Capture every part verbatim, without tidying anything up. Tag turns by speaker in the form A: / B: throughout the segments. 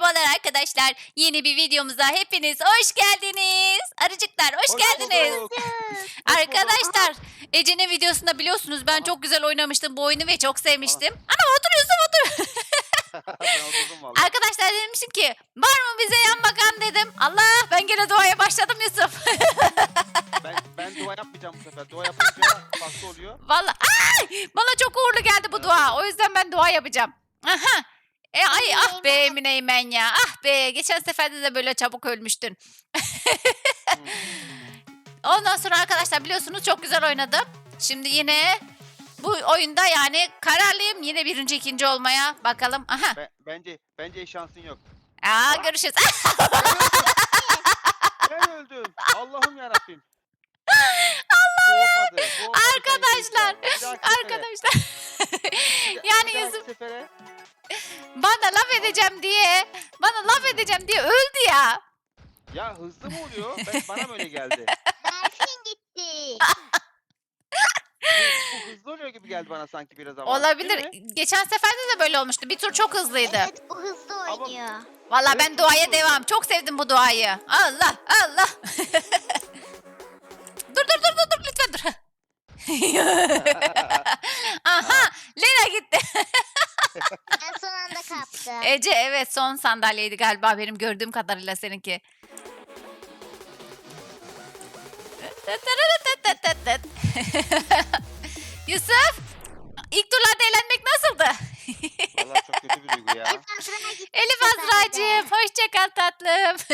A: Merhabalar arkadaşlar. Yeni bir videomuza hepiniz hoş geldiniz. Arıcıklar hoş,
B: Hoş
A: geldiniz.
B: bulduk. Hoş bulduk.
A: Arkadaşlar Ece'nin videosunda biliyorsunuz ben
B: Aha.
A: çok güzel oynamıştım bu oyunu ve çok
B: Ana.
A: sevmiştim. Ana otur Yusuf otur.
B: Ben oturdum valla.
A: Arkadaşlar demiştim ki var mı bize yan bakan dedim. Allah ben gene duaya başladım Yusuf.
B: Ben, ben dua yapmayacağım bu sefer. Dua yapınca farklı oluyor.
A: Vallahi ay, bana çok uğurlu geldi bu dua. O yüzden ben dua yapacağım. Aha. E, ay ah be Emine Eymen ya. Ah be geçen seferde de böyle çabuk ölmüştün.
B: Hmm.
A: Ondan sonra arkadaşlar biliyorsunuz çok güzel oynadım. Şimdi yine bu oyunda yani kararlıyım. Yine birinci ikinci olmaya bakalım. Aha.
B: Be- bence bence şansın yok.
A: Aa, görüşürüz.
B: Ben öldüm. Allah'ım yarabbim. Bu olmadı. Bu olmadı.
A: Arkadaşlar,
B: Bir dahaki sefere.
A: Arkadaşlar.
B: Bir-
A: yani
B: bir dahaki
A: Yusuf
B: sefere.
A: bana laf edeceğim diye bana laf edeceğim diye öldü ya.
B: Ya hızlı mı oluyor? Ben, bana mı öyle geldi?
C: Berfin gitti.
B: Bu, bu hızlı oluyor gibi geldi bana sanki biraz ama.
A: Olabilir.
B: Değil mi?
A: Geçen seferde de böyle olmuştu. Bir tur çok hızlıydı.
C: Evet bu hızlı oynuyor.
A: Vallahi
B: Evet,
A: ben duaya
B: çok
A: devam. Çok sevdim bu duayı. Allah Allah. dur dur dur dur dur lütfen dur. Aha Lena gitti.
C: Ben son anda kaptım.
A: Ece evet son sandalyeydi galiba benim gördüğüm kadarıyla seninki. Yusuf ilk turlarda eğlenmek nasıldı?
B: Vallahi çok kötü bir duygu ya.
C: Elif Azra gitti.
A: Elif
C: bu sefer de.
A: Azra'cığım hoşça kal tatlım.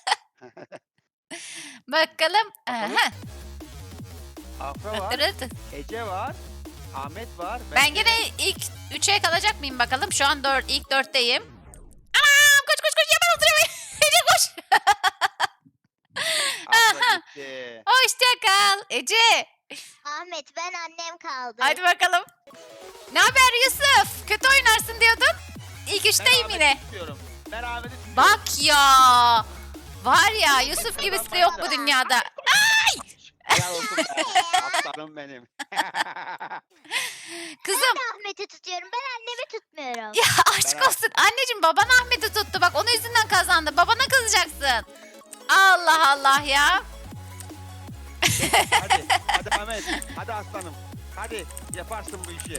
A: Bakalım. Aha.
B: Afra var. Ece var. Ahmet var.
A: Ben gene ilk üçe kalacak mıyım bakalım. Şu an dört, ilk dörtteyim. Anam koş koş koş hemen oturuyorum. Ece koş.
B: Afra gitti.
A: Hoşça kal Ece.
C: Ahmet ben annem kaldı.
A: Hadi bakalım. Ne haber Yusuf? Kötü oynarsın diyordun. İlk üçteyim
B: Ben
A: yine.
B: Ahmet'i tutuyorum. Ben Ahmet'i tutuyorum.
A: Bak ya. Var ya Yusuf gibisi de yok bu dünyada.
B: Helal olsun be. Aslanım benim.
A: Kızım
C: Ben de Ahmet'i tutuyorum. Ben annemi tutmuyorum.
A: ya aşk olsun. Anneciğim baban Ahmet'i tuttu. Bak onun yüzünden kazandı. Babana kızacaksın. Allah Allah ya.
B: Hadi. Hadi Ahmet. Hadi aslanım. Hadi. Yaparsın bu işi.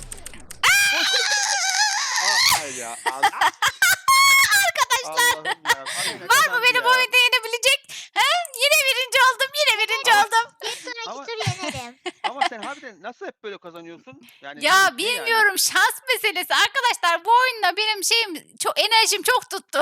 B: Aa, hayır ya. Allah.
A: Arkadaşlar.
B: Allah'ım ya. Hadi ne
A: Var mı
B: kazandı
A: beni
B: ya?
A: bu oyunda yenebilecek? He? Yine birinci oldum. Yine birinci
B: Ama-
A: oldum.
C: Bir sonraki
B: Ama-
C: tur yenerim.
B: Ama sen harbiden nasıl hep böyle kazanıyorsun? Yani
A: Ya
B: ne- ne yani?
A: bilmiyorum şans meselesi. Arkadaşlar bu oyunda benim şeyim çok enerjim çok tuttu.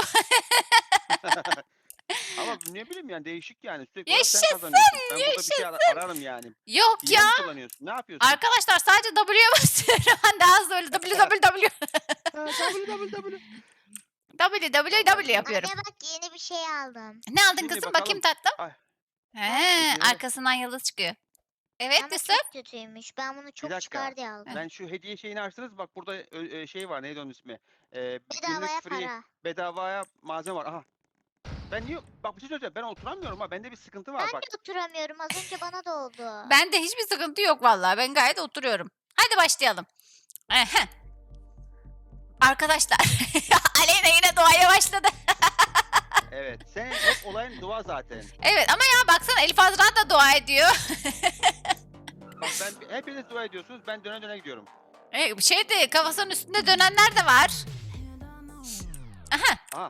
B: Ama ne bileyim yani değişik yani. Sürekli
A: Yaşasın,
B: olarak sen kazanıyorsun. Ben burada bir şey ara- ararım yani.
A: Yok
B: Hile
A: ya.
B: mi kullanıyorsun? Ne yapıyorsun?
A: Arkadaşlar sadece W'ye basıyorum. Ben daha hızlı öyle W W W.
B: Ha, W W W.
A: W W W yapıyorum.
C: Anne bak yeni bir şey aldım.
A: Ne aldın
B: Şimdi
A: kızım?
B: bakalım.
A: Bakayım tatlım.
B: Ay.
A: He,
B: Peki.
A: arkasından yıldız çıkıyor. Evet
C: Ama
A: Yusuf.
C: çok kötüymüş. Ben bunu çok
B: dakika.
C: çıkar diye aldım.
B: Ben şu hediye şeyini açtınız. Bak burada ö- ö, şey var. Neydi onun ismi? Ee,
C: Bedavaya
B: günlük free,
C: para.
B: bedavaya malzeme var. Aha. Ben niye? Bak bir şey söyleyeceğim. Ben oturamıyorum ha. Bende bir sıkıntı var
C: Ben
B: bak.
C: de oturamıyorum. Az önce bana da oldu.
A: Bende hiçbir sıkıntı yok vallahi. Ben gayet oturuyorum. Hadi başlayalım. Ehe. Arkadaşlar Aleyna yine doğaya başladı.
B: Evet. Senin hep olayın dua zaten.
A: Evet ama ya baksana Elif Azra da dua ediyor.
B: Bak ben hepiniz dua ediyorsunuz. Ben döne döne gidiyorum.
A: E, şey de kafasının üstünde dönenler de var. Aha.
B: Aha.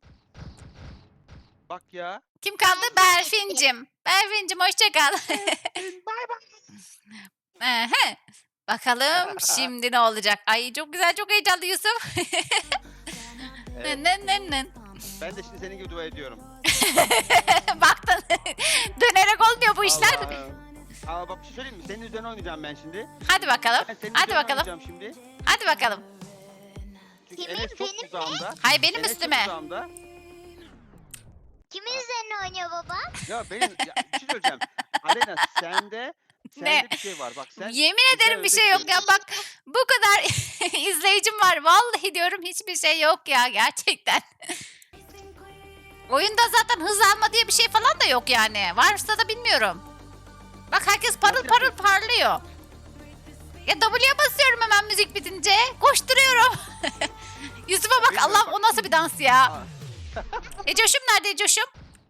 B: Bak ya.
A: Kim kaldı? Berfin'cim. Berfin'cim hoşça kal.
B: Bay bay.
A: Ehe. Bakalım şimdi ne olacak? Ay çok güzel çok heyecanlı Yusuf.
B: Evet.
A: Nın nın nın.
B: Ben de şimdi senin gibi dua ediyorum.
A: Baktın. Dönerek olmuyor bu işler.
B: Allah'ım. Ama bak bir şey söyleyeyim mi? Senin üzerine oynayacağım ben şimdi.
A: Hadi bakalım.
B: Ben senin
A: Hadi
B: üzerine
A: bakalım.
B: oynayacağım şimdi.
A: Hadi bakalım.
B: Çünkü
C: Kimin,
B: Enes çok
C: benim mi?
B: uzağımda.
A: Hay benim
B: Enes çok
A: üstüme.
B: uzağımda.
C: Kimin üzerine oynuyor baba?
B: Ya benim ya, bir şey söyleyeceğim. Aleyna sende sende
A: Ne?
B: bir şey var. Bak sen
A: Yemin
B: sen
A: ederim bir
B: öyle
A: şey yok ya.
B: diyorsun.
A: Bak bu kadar izleyicim var. Vallahi diyorum hiçbir şey yok ya gerçekten. Oyunda zaten hız alma diye bir şey falan da yok yani. Varsa da bilmiyorum. Bak herkes parıl
B: Nasıl
A: parıl
B: yapıyorsun?
A: parlıyor. Ya W'ye basıyorum hemen müzik bitince. Koşturuyorum. Yusuf'a bak
B: Bilmiyorum
A: Allah'ım
B: bak.
A: o nasıl bir dans ya.
B: Aa,
A: Ecoş'um nerede Ecoş'um?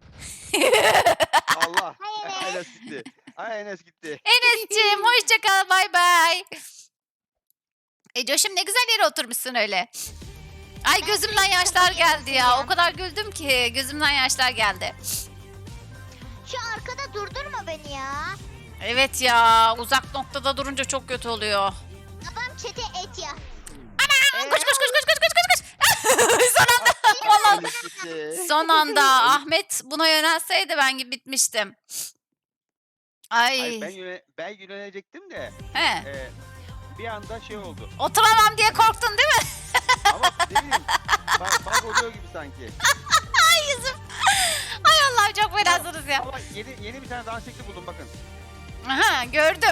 B: Allah.
C: Hayır.
B: Enes gitti. Ay Enes gitti.
A: Enes'ciğim hoşça kal, bay bay. Ecoş'um ne güzel yere oturmuşsun öyle. Ay gözümden yaşlar geldi ya. O kadar güldüm ki gözümden yaşlar geldi.
C: Şu arkada durdurma beni ya.
A: Evet ya, uzak noktada durunca çok kötü oluyor.
C: Babam çete et ya.
A: Koş koş koş koş koş koş koş koş. Son anda. Vallahi
B: Enes gitti.
A: son anda Ahmet buna yönelseydi ben gibi bitmiştim. Ay.
B: Hayır, ben yöne, ben yönelecektim de
A: He.
B: e, bir anda şey oldu.
A: Oturamam diye korktun değil mi?
B: Ama ne bileyim bak, bak oluyor gibi sanki.
A: Ay yüzüm. Ay Allah'ım çok fenasınız ya.
B: Ama yeni yeni bir tane dans şekli buldum bakın.
A: Aha gördüm.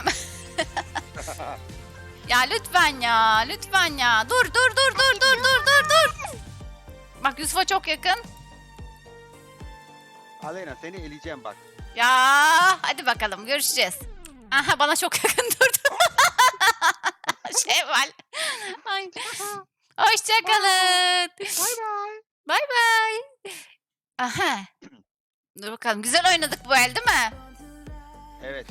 A: Ya lütfen ya, lütfen ya. Dur dur dur dur dur dur dur dur. Bak Yusuf'a çok yakın.
B: Aleyna seni eleyeceğim bak.
A: Ya hadi bakalım görüşeceğiz. Aha bana çok yakın durdu. Şevval. Ay. Hoşçakalın.
B: Bay bay.
A: Bay bay. Aha. Dur bakalım. Güzel oynadık bu el değil mi?
B: Evet.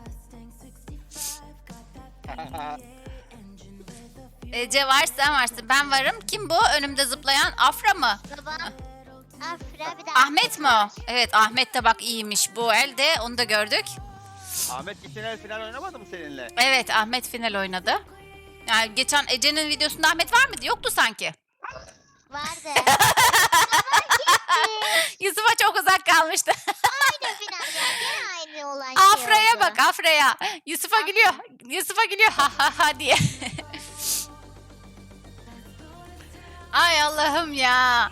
A: Ece var, sen varsın. Ben varım. Kim bu? Önümde zıplayan Afra mı?
C: Babam. Afra bir de
A: Ahmet mi o? Evet Ahmet de bak iyiymiş bu elde. Onu da gördük.
B: Ahmet geçen el final oynamadı mı seninle?
A: Evet Ahmet final oynadı. Yani geçen Ece'nin videosunda Ahmet var mıydı? Yoktu sanki.
C: vardı.
A: Yusuf'a çok uzak kalmıştı.
C: Aynı final ya. Gene aynı olan şey
A: Afra'ya
C: oldu.
A: bak Afra'ya. Yusuf'a
C: Afra.
A: gülüyor. Yusuf'a gülüyor ha ha ha diye. Ay Allah'ım ya.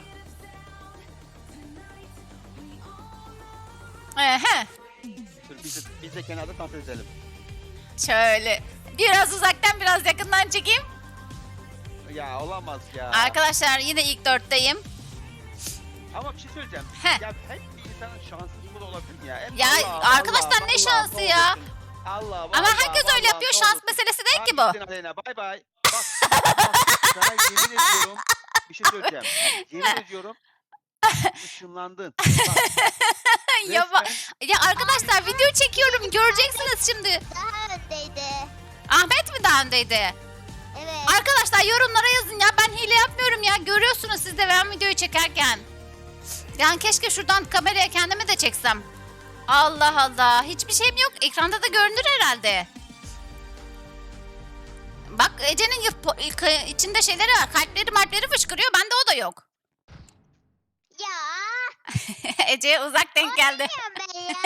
A: Ehe.
B: Dur biz de, biz de kenarda dans edelim.
A: Şöyle biraz uzaktan biraz yakından çekeyim.
B: Ya olamaz ya.
A: Arkadaşlar yine ilk dörtteyim.
B: Ama bir şey söyleyeceğim.
A: Heh.
B: Ya hep bir insanın şanssızlığı da olabilir mi ya? Hep
A: Ya
B: Allah,
A: arkadaşlar
B: Allah,
A: ne
B: Allah,
A: şansı
B: ne
A: ya?
B: olursun. Allah,
A: Ama
B: vallahi,
A: herkes öyle
B: vallahi,
A: yapıyor.
B: ne
A: Şans
B: olursun.
A: meselesi değil ki
B: Hadi
A: bu.
B: gittin Aleyna, bay bay. Bak, bak, sana yemin ediyorum bir şey söyleyeceğim. Yemin ediyorum ışınlandın. Bak,
A: Ya, ba-
B: resmen-
A: ya arkadaşlar video çekiyorum. Göreceksiniz şimdi.
C: Daha öndeydi.
A: Ahmet mi daha öndeydi?
C: Evet.
A: Arkadaşlar yorumlara yazın ya. Ben hile yapmıyorum ya. Görüyorsunuz siz de ben videoyu çekerken. Yani keşke şuradan kameraya kendimi de çeksem. Allah Allah. Hiçbir şeyim yok. Ekranda da görünür herhalde. Bak Ece'nin yıp- ilk- içinde şeyleri var. Kalpleri marpleri fışkırıyor. Bende o da yok.
C: Ya.
A: Ece'ye uzak denk geldi.
C: Bilmiyorum ben ya.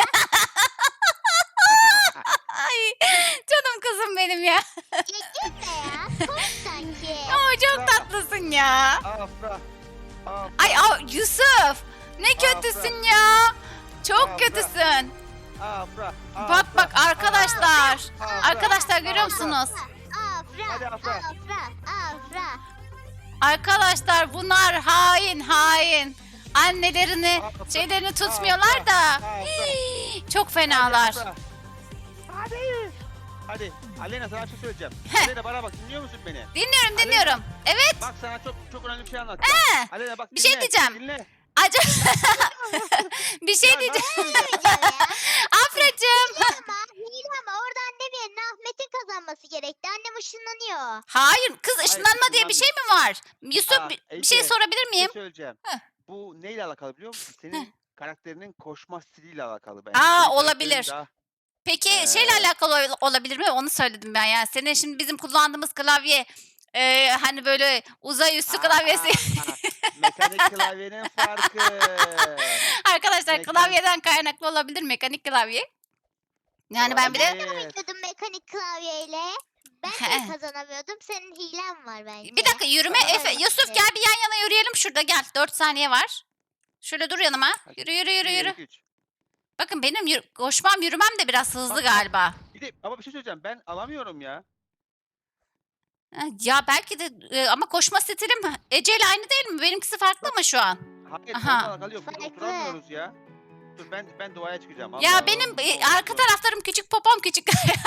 A: Ay canım kızım benim ya.
C: Ya gitme ya. Koş sanki.
A: Oo, çok tatlısın ya.
B: Afra. Afra.
A: Ay aa, Yusuf. Ne kötüsün ya. Çok
B: Afra.
A: kötüsün.
B: Afra.
A: Bak bak arkadaşlar.
B: Afra.
A: Arkadaşlar görüyor
B: Afra.
A: musunuz?
C: Afra.
B: Hadi Afra.
C: Afra. Afra.
A: Arkadaşlar bunlar hain hain. Annelerini
B: Afra.
A: şeylerini tutmuyorlar da.
B: Afra.
A: Hii, çok fenalar.
B: Afra. Hadi. Hadi. Aleyna sana bir şey söyleyeceğim.
A: Heh.
B: Aleyna bana bak dinliyor musun beni?
A: Dinliyorum dinliyorum. Evet.
B: Bak sana çok çok önemli bir şey anlatacağım.
A: He,
B: Aleyna bak
A: bir şey
B: dinle,
A: diyeceğim.
B: Dinle.
A: Acaba bir şey
B: Ya
A: diyeceğim.
B: nasıl ya?
C: Ya.
A: Afracığım.
C: Ama hile ama orada annem yerine Ahmet'in kazanması gerekti. Annem ışınlanıyor.
A: Hayır kız ışınlanma diye bir şey mi var? Yusuf
B: Aa,
A: bir, bir
B: Ece,
A: şey sorabilir
B: Bir şey
A: miyim?
B: söyleyeceğim.
A: Heh.
B: Bu neyle alakalı biliyor musun? Senin karakterinin koşma stiliyle alakalı bence.
A: Aa,
B: Senin karakterin
A: olabilir.
B: daha-
A: Peki
B: Ee,
A: şeyle alakalı ol- olabilir mi? Onu söyledim ben yani. Senin şimdi bizim kullandığımız klavye e, hani böyle uzay üstü
B: Aa,
A: klavyesi.
B: aa, mekanik klavyenin farkı.
A: Arkadaşlar
B: mekanik-
A: klavyeden kaynaklı olabilir mekanik klavye. Yani ben bir de
B: Olabilir.
C: Oynuyordum mekanik klavyeyle. Ben
A: He.
C: de kazanamıyordum. Senin hilen var bence.
A: bir dakika yürüme
C: Aa,
A: Efe. Yusuf
C: evet.
A: gel bir yan yana yürüyelim şurada gel. dört saniye var. Şöyle dur yanıma. Yürü yürü yürü
B: Bir,
A: yürü.
B: iki, üç.
A: Bakın benim yürü- koşmam yürümem de biraz hızlı
B: Bak, bak.
A: galiba.
B: Bir de ama bir şey söyleyeceğim. Ben alamıyorum ya.
A: Ha, ya belki de e, ama koşma stilim Ece ile aynı değil mi? Benimkisi farklı mı şu an?
B: Hayır,
A: Aha.
B: onunla alakalı yok. Biz
C: Farklı.
B: oturamıyoruz ya. Dur ben ben doğaya çıkacağım. Allah
A: Ya
B: Allah,
A: benim
B: ne
A: e,
B: oldu?
A: arka taraflarım küçük, popom küçük.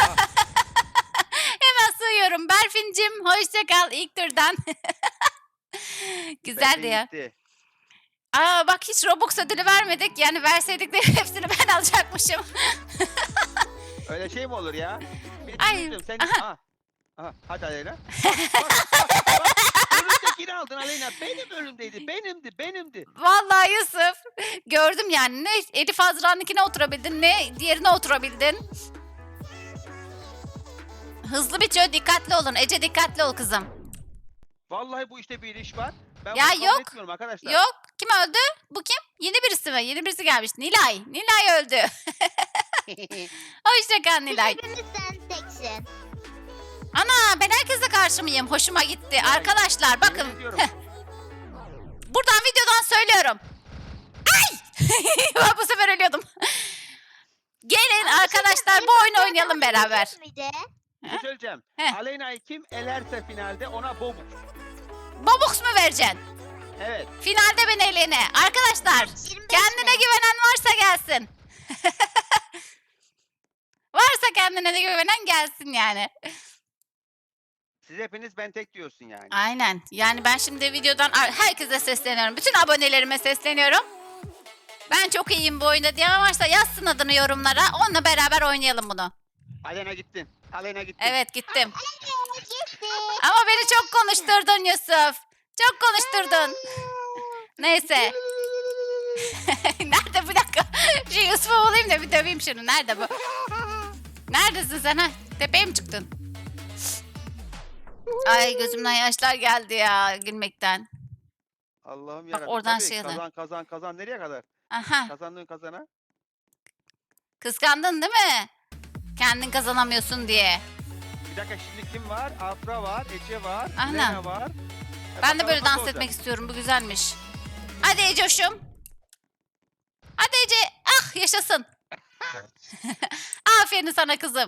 A: Hemen sığıyorum. Berfin'cim hoşça kal ilk turdan. Güzeldi
B: Benzin
A: ya.
B: gitti.
A: Aa bak hiç Robux ödülü vermedik. Yani verseydik de hepsini ben alacakmışım.
B: Öyle şey mi olur ya? Bir
A: Ay,
B: düşündüm, sen...
A: aha.
B: Aha. Aha. Hadi Aleyna. Bak, bak, bak, bak. Önümdekini aldın Aleyna. Benim önümdeydi. Benimdi. Benimdi.
A: Vallahi Yusuf. Gördüm yani. Ne Elif Azra'nınkine oturabildin ne diğerine oturabildin. Hızlı bitiyor. Dikkatli olun. Ece dikkatli ol kızım.
B: Vallahi bu işte bir iş var. Ben
A: Ya
B: bunu kabul
A: yok.
B: etmiyorum arkadaşlar.
A: Yok. Kim öldü? Bu kim? Yeni birisi mi? Yeni birisi gelmiş. Nilay. Nilay öldü. Hoşça kal Nilay.
C: Hepimiz sen teksin.
A: Ana ben herkese karşı mıyım? Hoşuma gitti. Arkadaşlar
B: Yemin
A: bakın.
B: ediyorum.
A: Buradan videodan söylüyorum. Ay! Ben bu sefer ölüyordum. Gelin arkadaşlar bu oyunu oynayalım beraber.
C: Miydi?
B: Bir şey söyleyeceğim.
A: Heh.
B: Aleyna'yı kim elerse finalde ona bobuk.
A: Bobux mu vereceksin?
B: Evet.
A: Finalde ben elene. Arkadaşlar
C: yirmi beş
A: kendine
C: mi?
A: güvenen varsa gelsin. Varsa kendine de güvenen gelsin yani.
B: Siz hepiniz ben tek diyorsun yani.
A: Aynen. Yani ben şimdi videodan herkese sesleniyorum. Bütün abonelerime sesleniyorum. Ben çok iyiyim bu oyunda diyen varsa yazsın adını yorumlara. Onunla beraber oynayalım bunu.
B: Aleyna gittin. Aleyna gittin.
A: Evet gittim.
C: Evet, gitti.
A: Ama beni çok konuşturdun Yusuf. Çok konuşturdun. Neyse. Nerede bir dakika. Şu Yusuf'u bulayım da bir döveyim şunu. Nerede bu? Neredesin sen ha? Tepeye mi çıktın? Ay gözümden yaşlar geldi ya gülmekten.
B: Allah'ım
A: Bak
B: yarabbim.
A: oradan
B: Tabii,
A: şey alın.
B: Kazan kazan kazan nereye kadar?
A: Aha.
B: Kazandığın kazana.
A: Kıskandın değil mi? Kendin kazanamıyorsun diye.
B: Bir dakika şimdi kim var? Afra var, Ece var,
A: Aynen.
B: Lena var. E,
A: Ben de
B: bakalım
A: böyle
B: nasıl
A: dans
B: olacak?
A: etmek istiyorum. Bu güzelmiş. Hadi Ecoş'um. Hadi Ece. Ah yaşasın. Aferin sana kızım.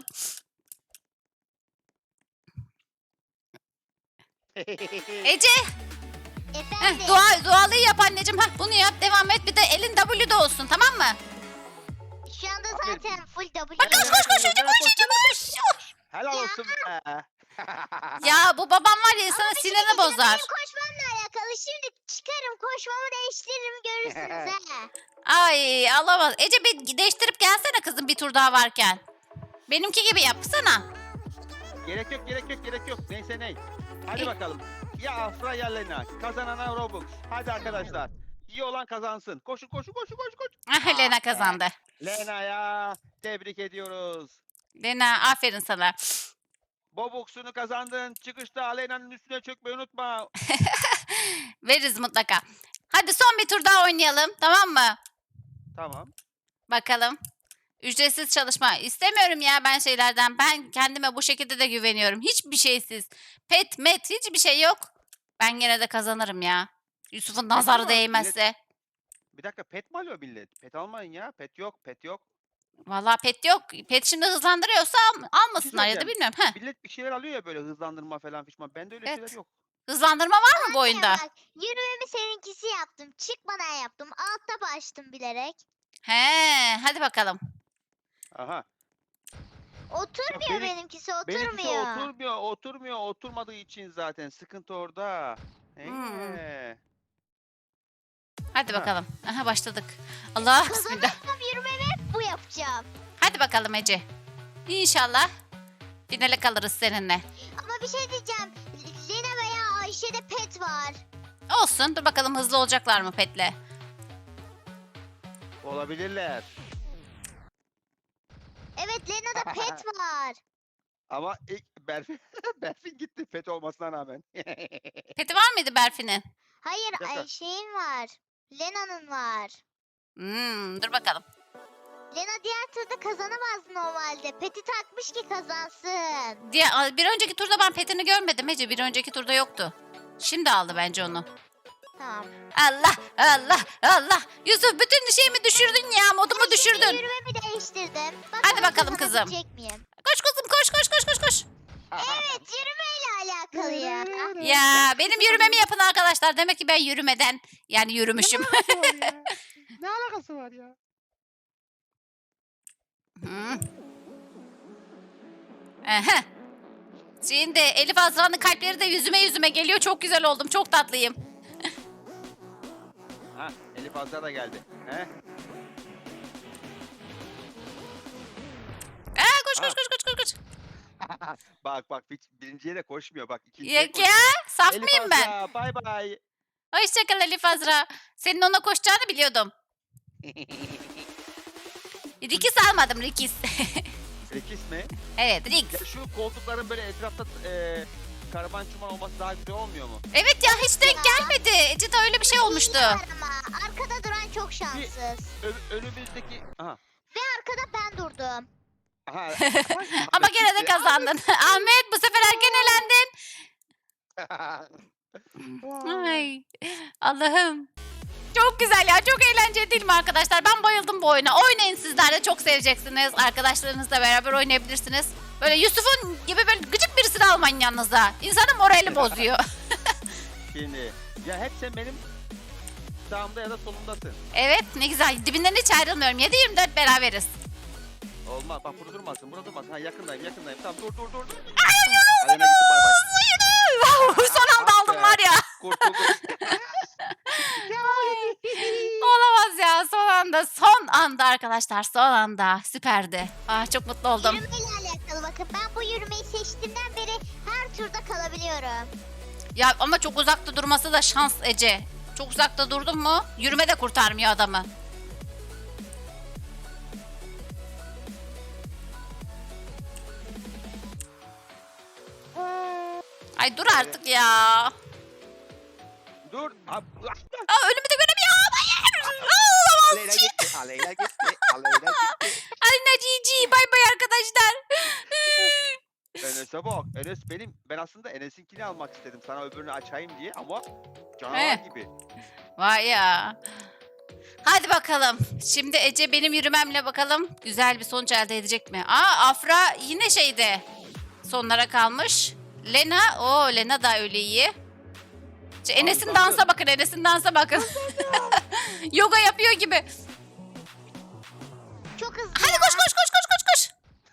A: Ece.
C: Efendim.
A: Heh, dua, dualıyı yap anneciğim. Heh, bunu yap devam et. Bir de elin W'de olsun tamam mı?
C: Şu anda
B: Aferin.
C: zaten full W.
A: Bak koş koş koş Ece koş Ece koş.
B: Helal olsun be.
A: Ya bu babam var ya sana
C: Bir şey
A: sinirini
C: diyeceğim,
A: bozar.
C: Benim koşmamla alakalı. Şimdi çıkarım koşmamı değiştiririm görürsünüz ha.
A: Ay alamaz. Ece bir değiştirip gelsene kızım bir tur daha varken. Benimki gibi yapsana.
B: Gerek yok, gerek yok, gerek yok. Neyse ney. Hadi
A: İyi.
B: bakalım. Ya Afra ya Lena. Kazanana Robux. Hadi arkadaşlar. İyi olan kazansın. Koşun, koşun, koşun, koşun, koşun.
A: Ah, Lena kazandı.
B: Lena'ya tebrik ediyoruz.
A: Lena aferin sana.
B: Bobuksunu kazandın. Çıkışta Alena'nın üstüne çökmeyi unutma.
A: Veririz mutlaka. Hadi son bir tur daha oynayalım tamam mı?
B: Tamam.
A: Bakalım. Ücretsiz çalışma. İstemiyorum ya ben şeylerden. Ben kendime bu şekilde de güveniyorum. Hiçbir şeysiz. Pet met hiçbir şey yok. Ben gene de kazanırım ya. Yusuf'un nazarı
B: ama
A: değmezse.
B: Bir dakika pet mi alıyor millet? Pet almayın ya. Pet yok, pet yok.
A: Vallahi pet yok. Pet şimdi hızlandırıyorsa al- almasınlar ya da
B: söyleyeceğim.
A: bilmiyorum. Heh.
B: Millet bir şeyler alıyor ya böyle hızlandırma falan fişman. Bende öyle
A: Evet.
B: şeyler yok.
A: Hızlandırma var mı bu oyunda?
C: Bak yürümemi seninkisi yaptım. Çıkmadan yaptım. Altta başladım bilerek.
A: He, hadi bakalım.
B: Aha.
C: Oturmuyor
B: benim-
C: benimkisi
B: Benimkisi
C: oturmuyor.
B: oturmuyor, oturmuyor. Oturmadığı için zaten sıkıntı orada.
A: Hmm.
B: Ee.
A: Hadi
B: Ha.
A: bakalım. Aha başladık. Allah bismillah.
C: Kazanırsam yürümemi hep bu yapacağım.
A: Hadi bakalım Ece. İnşallah finale kalırız seninle.
C: Ama bir şey diyeceğim. Lena veya Ayşe'de pet var.
A: Olsun. Dur bakalım hızlı olacaklar mı petle?
B: Olabilirler.
C: Evet Lena'da pet var.
B: Ama ilk Berfin, Berfin gitti pet olmasına rağmen.
A: Peti var mıydı Berfin'in?
C: Hayır
B: Bir dakika.
C: Ayşe'nin var. Lena'nın var.
A: Hmm, dur bakalım.
C: Lena diğer turda kazanamaz normalde. Peti takmış ki kazansın.
A: Diye, bir önceki turda ben petini görmedim Ece. Bir önceki turda yoktu. Şimdi aldı bence onu.
C: Tamam.
A: Allah Allah Allah. Yusuf bütün şeyimi düşürdün ya. Modumu
C: Şimdi
A: düşürdün.
C: yürümemi değiştirdim.
A: Hadi bakalım kızım.
C: kazanabilecek miyim?
A: Koş kızım koş koş koş koş koş.
C: Evet yürümeyle alakalı ya.
A: Ya benim yürümemi yapın arkadaşlar. Demek ki ben yürümeden yani yürümüşüm.
B: Ne alakası var ya?
A: Hı. Aha. Şimdi Elif Azra'nın kalpleri de yüzüme yüzüme geliyor. Çok güzel oldum. Çok tatlıyım.
B: Ha, Elif Azra da geldi. He?
A: Aa, koş koş
B: Ha.
A: koş koş koş koş.
B: Bak bak hiç birinciye de koşmuyor bak. ikinciye
A: Yok
B: koşuyor.
A: ya, saf
B: Elif
A: mıyım ben?
B: Azra bay bay.
A: Hoşçakal Elif Azra. Senin ona koşacağını biliyordum. Rikis almadım Rikis.
B: Rekis mi?
A: Evet
B: Ya
A: Riks.
B: şu koltukların böyle etrafta e, karavan çuman olması daha güzel olmuyor mu?
A: Evet ya hiç denk gelmedi. Ecita öyle bir şey olmuştu.
C: Var ama arkada duran çok şanssız.
B: Ö- önümüzdeki... Aha.
C: Ve arkada ben durdum.
B: Aha.
A: Ama gene de kazandın. Ahmet bu sefer erken elendin. Ay Allah'ım. Çok güzel ya. Çok eğlenceli değil mi arkadaşlar? Ben bayıldım bu oyuna. Oynayın sizler de çok seveceksiniz. Arkadaşlarınızla beraber oynayabilirsiniz. Böyle Yusuf'un gibi böyle gıcık birisini almayın yanınıza. İnsanın morali bozuyor.
B: Şimdi ya hep sen benim sağımda ya da solumdasın.
A: Evet ne güzel. Dibinden hiç ayrılmıyorum. yedi yirmi dört beraberiz.
B: Olmaz bak burada durmasın burada durmasın. Ha yakındayım yakındayım. Tamam dur dur dur. dur. Alena gitti bay bay.
A: Son anda aldım var ya.
B: Kurtulduk.
A: Olamaz ya son anda. Son anda arkadaşlar. Son anda. Süperdi. Ah, çok mutlu oldum.
C: Yürümeyle alakalı bakın. Ben bu yürümeyi seçtiğimden beri her turda kalabiliyorum.
A: Ya ama çok uzakta durması da şans Ece. Çok uzakta durdun mu yürüme de kurtarmıyor adamı. Ay dur artık ya.
B: Dur. Ab-
A: Aa, önümü de göremiyorum. Hayır. Aa,
B: Aleyna gitti. Aleyna gitti. Aleyna gitti.
A: Alina Cici. Bay bay arkadaşlar.
B: Enes'e bak. Enes benim. Ben aslında Enes'inkini almak istedim. Sana öbürünü açayım diye ama
A: He.
B: canavar gibi.
A: Vay ya. Hadi bakalım. Şimdi Ece benim yürümemle bakalım güzel bir sonuç elde edecek mi? Aa Afra yine şeyde sonlara kalmış. Lena, o Lena da öyle iyi. Şu Enes'in
B: Kazandı.
A: dansa bakın, Enes'in dansa bakın. Yoga yapıyor gibi.
C: Çok hızlı
A: Hadi
C: ya.
A: koş koş koş koş koş koş.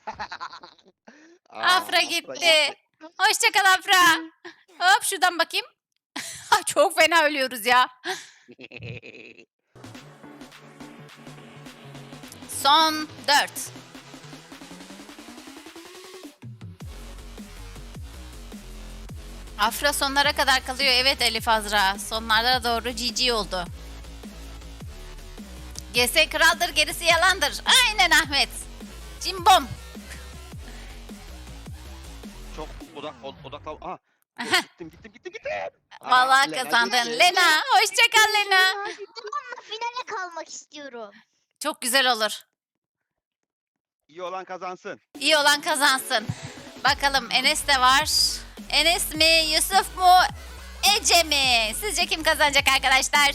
B: Aa,
A: Afra gitti. Hoşça kal Afra. Hop şuradan bakayım. Ay, çok fena ölüyoruz ya. Son dört. Afra sonlara kadar kalıyor. Evet Elif Azra. Sonlara doğru G G oldu. G S kraldır gerisi yalandır. Aynen Ahmet. Cimbom.
B: Çok odak od- odaklan. Aha. Gittim gittim gittim gittim. Aa,
A: Vallahi
B: Lena
A: kazandın.
B: gitti.
A: Lena. Hoşça kal Lena.
C: Tamam finale kalmak istiyorum.
A: Çok güzel olur.
B: İyi olan kazansın.
A: İyi olan kazansın. Bakalım Enes de var. Enes mi, Yusuf mu, Ece mi? Sizce kim kazanacak arkadaşlar?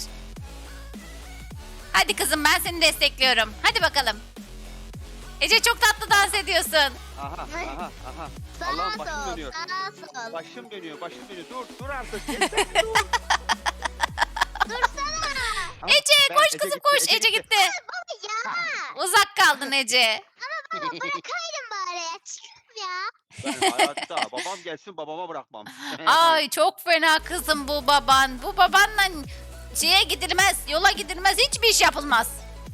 A: Hadi kızım ben seni destekliyorum. Hadi bakalım. Ece çok tatlı dans ediyorsun.
B: Aha aha aha.
C: Sağa
B: Allah'ım başım
C: sol,
B: dönüyor.
C: sağa sol.
B: Başım dönüyor başım dönüyor. Dur dur artık. Yeter, dur.
C: Dursana.
B: Ama
A: Ece
B: ben-
A: koş
B: Ece
A: kızım
B: gitti,
A: koş. Ece gitti.
C: Ya
A: Uzak kaldın Ece.
C: bana bırakaydın bari ya. Çıkıyorum ya.
B: Ben hayatta babam gelsin babama bırakmam.
A: Ay çok fena kızım bu baban. Bu babanla şeye gidilmez, yola gidilmez, hiçbir iş yapılmaz.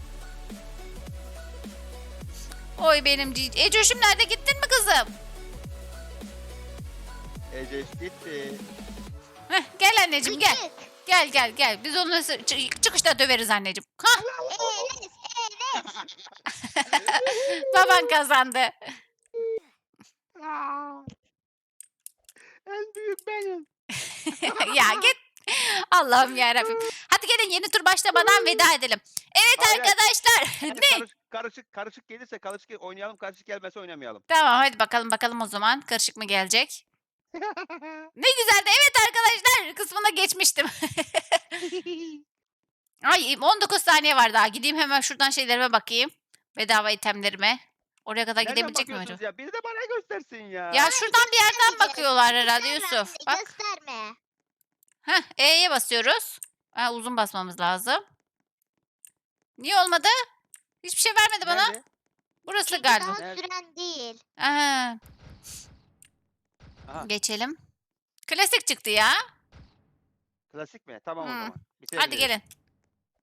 A: Oy benim cici. Ecoş'um nerede gittin mi kızım?
B: Ece gitti.
A: Heh, gel anneciğim gel.
C: Küçük.
A: Gel gel gel. Biz onu sı- çı- çıkışta döveriz anneciğim. Hah,
C: Enes, Enes.
A: baban kazandı.
B: En büyük benim.
A: Ya git. Allah'ım yarabbim. Hadi gelin yeni tur başlamadan veda edelim. Evet
B: Hayır, hayır.
A: arkadaşlar.
B: Hadi
A: Ne?
B: karışık, karışık karışık gelirse karışık gel- oynayalım karışık gelmezse oynamayalım.
A: Tamam hadi bakalım bakalım o zaman. Karışık mı gelecek? Ne güzeldi. Evet arkadaşlar kısmına geçmiştim. Ay on dokuz saniye var daha. Gideyim hemen şuradan şeylerime bakayım. Bedava itemlerime. Oraya kadar
B: Nereden
A: gidebilecek miyim
B: bakıyorsunuz
A: acaba?
B: ya? Biri de bana göstersin ya.
A: Ya şuradan bir yerden
C: Göstermeyeceğiz.
A: bakıyorlar herhalde
C: Gösterme
A: Yusuf.
C: anne,
A: Bak.
C: Gösterme.
A: Heh, E'ye basıyoruz. Ha, uzun basmamız lazım. Niye olmadı? Hiçbir şey vermedi bana.
B: Nerede?
A: Burası
C: Çünkü
A: galiba.
C: daha
B: Nerede?
C: süren değil.
A: Aha,
B: Aha,
A: geçelim. Klasik çıktı ya.
B: klasik mi? Tamam o
A: Hmm.
B: zaman.
A: Hadi
B: Bitirebiliriz.
A: gelin.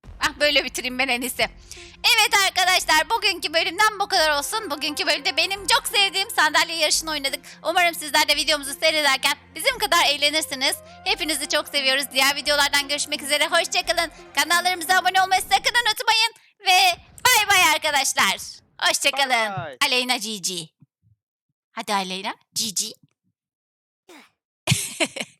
A: Ah böyle bitireyim ben en iyisi. Evet arkadaşlar bugünkü bölümden bu kadar olsun. Bugünkü bölümde benim çok sevdiğim sandalye yarışını oynadık. Umarım sizler de videomuzu seyrederken bizim kadar eğlenirsiniz. Hepinizi çok seviyoruz. Diğer videolardan görüşmek üzere. Hoşçakalın. Kanallarımıza abone olmayı sakın unutmayın. Ve bay bay arkadaşlar. Hoşçakalın.
B: Bye.
A: Aleyna Cici. Hadi Aleyna Cici.